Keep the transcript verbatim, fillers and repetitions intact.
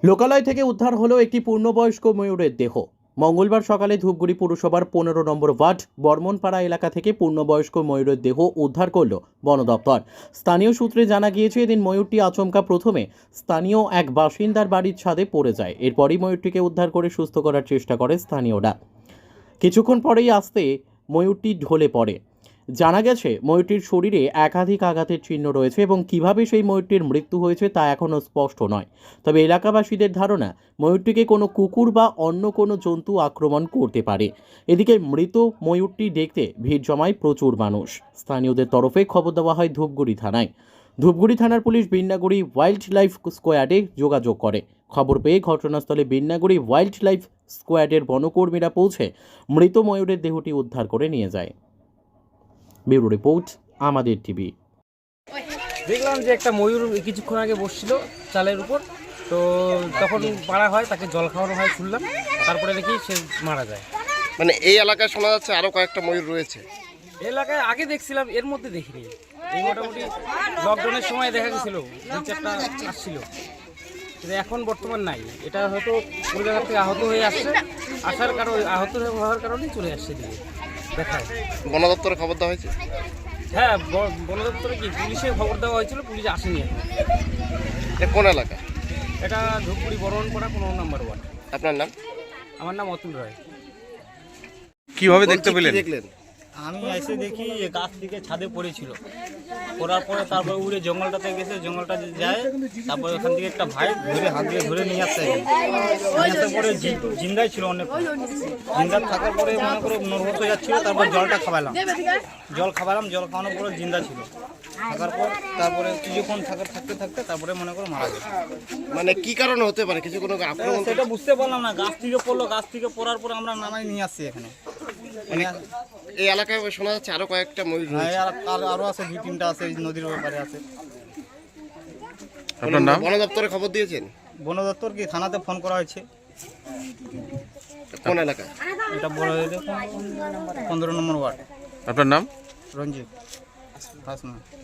লোকালয় থেকে উদ্ধার হলো একটি পূর্ণবয়স্ক ময়ূরের দেহ। মঙ্গলবার সকালে ধূপগুড়ি পুরসভার পনেরো নম্বর ওয়ার্ড বর্মনপাড়া এলাকা থেকে পূর্ণবয়স্ক ময়ূরের দেহ উদ্ধার করল বন দপ্তর। স্থানীয় সূত্রে জানা গিয়েছে, এদিন ময়ূরটি আচমকা প্রথমে স্থানীয় এক বাসিন্দার বাড়ির ছাদে পড়ে যায়। এরপরই ময়ূরটিকে উদ্ধার করে সুস্থ করার চেষ্টা করে স্থানীয়রা। কিছুক্ষণ পরেই আসতে ময়ূরটি ঢলে পড়ে। জানা গেছে, ময়ূরটির শরীরে একাধিক আঘাতের চিহ্ন রয়েছে এবং কিভাবে সেই ময়ূরটির মৃত্যু হয়েছে তা এখনও স্পষ্ট নয়। তবে এলাকাবাসীদের ধারণা, ময়ূরটিকে কোনো কুকুর বা অন্য কোনো জন্তু আক্রমণ করতে পারে। এদিকে মৃত ময়ূরটি দেখতে ভিড় জমায় প্রচুর মানুষ। স্থানীয়দের তরফে খবর দেওয়া হয় ধূপগুড়ি থানায়। ধূপগুড়ি থানার পুলিশ বিন্নাগুড়ি ওয়াইল্ড লাইফ স্কোয়াডে যোগাযোগ করে। খবর পেয়ে ঘটনাস্থলে বিন্নাগুড়ি ওয়াইল্ড লাইফ স্কোয়াডের বনকর্মীরা পৌঁছে মৃত ময়ূরের দেহটি উদ্ধার করে নিয়ে যায়। ব্যুরো রিপোর্ট, আমাদের টিভি। দেখলাম যে একটা ময়ূর কিছুক্ষণ আগে বসছিল চালের উপর, তো তখন মারা হয়, তাকে জল খাওয়ানো হয় শুনলাম, তারপরে দেখি সে মারা যায়। মানে এই এলাকায় শোনা যাচ্ছে আরো কয়েকটা ময়ূর রয়েছে। এলাকায় আগে দেখছিলাম, এর মধ্যে দেখিনি। এই মোটামুটি লকডাউনের সময় দেখা গেছিল দুই চারটা আসছিল, কিন্তু এখন বর্তমান নাই। এটা হয়তো কোনো জায়গা থেকে আহত হয়ে আসছে, আসার কারণে আহত হওয়ার কারণেই চলে আসছে দিকে দেখায়। বন দপ্তরে খবর দেওয়া হয়েছে? হ্যাঁ, ব- বন দপ্তরে কি পুলিশে খবর দেওয়া হয়েছিল, পুলিশ আসেনি এখন। এটা কোন এলাকা? এটা ধূপগুড়ি বর্মনপাড়া পনেরো নম্বর ওয়ার্ড। আপনার নাম? আমার নাম অতুল রায়। কিভাবে দেখতে পেলেন? দেখলেন? আমি এসে দেখি এ গাছ থেকে ছাদে পড়েছিল, পড়ার পরে তারপরে উড়ে জঙ্গলটাতে গেছে, জঙ্গলটা যে যায় তারপরে ওখান থেকে একটা ভাই ধরে হাত দিয়ে ধরে নিয়ে আসতে নিয়ে আসার পরে জি- জিন্দাই ছিল অনেক, জিন্দা থাকার পরে মনে করো নর্ভস হয়ে যাচ্ছিল। তারপর জলটা খাওয়ালাম, জল খাওয়ালাম জল খাওয়ানোর পরে জিন্দা ছিল। থাকার পর তারপরে কিছুক্ষণ থাকার থাকতে থাকতে তারপরে মনে করো মারা গেছে। মানে কি কারণে হতে পারে? কিছু কোনো আক্রমণ? সেটা বুঝতে পারলাম না, গাছ থেকে পড়লো, গাছ থেকে পড়ার পরে আমরা নামাই নিয়ে আসছি এখানে। মানে এই এলাকায় শোনা যাচ্ছে আরো কয়েকটা ময়ূর হ্যাঁ, রয়েছে। আর আর- আরো আছে, দুই তিনটা আছে, এই নদীর ব্যাপারে আছে। আপনার নাম? বন দপ্তরে খবর দিয়েছেন? বন দপ্তর কি থানাতে ফোন করা হয়েছে। কোন এলাকা? এটা বড় পনেরো নম্বর ওয়ার্ড। আপনার নাম? রঞ্জিত হাসনা।